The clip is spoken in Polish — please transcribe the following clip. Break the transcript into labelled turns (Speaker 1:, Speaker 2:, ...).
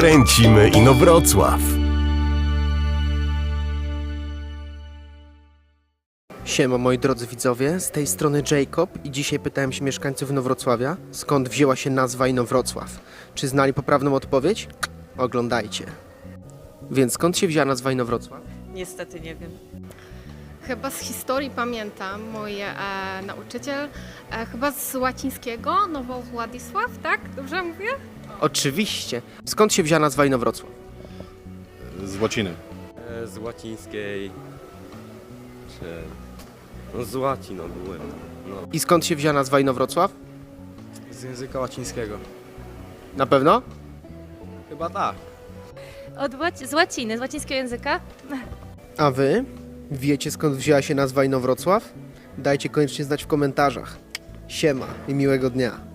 Speaker 1: Kręcimy Inowrocław.
Speaker 2: Siema moi drodzy widzowie, z tej strony Jacob i dzisiaj pytałem się mieszkańców Inowrocławia, skąd wzięła się nazwa Inowrocław. Czy znali poprawną odpowiedź? Oglądajcie. Więc skąd się wzięła nazwa Inowrocław?
Speaker 3: Niestety nie wiem.
Speaker 4: Chyba z historii pamiętam, mój nauczyciel, chyba z łacińskiego, Nowo Władysław, tak? Dobrze mówię?
Speaker 2: Oczywiście. Skąd się wzięła nazwa Inowrocław?
Speaker 5: Z łaciny.
Speaker 6: Z łacińskiej, czy... No z łaciną byłem. No.
Speaker 2: I skąd się wzięła nazwa Inowrocław?
Speaker 7: Z języka łacińskiego.
Speaker 2: Na pewno?
Speaker 7: Chyba tak.
Speaker 8: Z łaciny, z łacińskiego języka.
Speaker 2: A wy? Wiecie skąd wzięła się nazwa Inowrocław? Dajcie koniecznie znać w komentarzach. Siema i miłego dnia.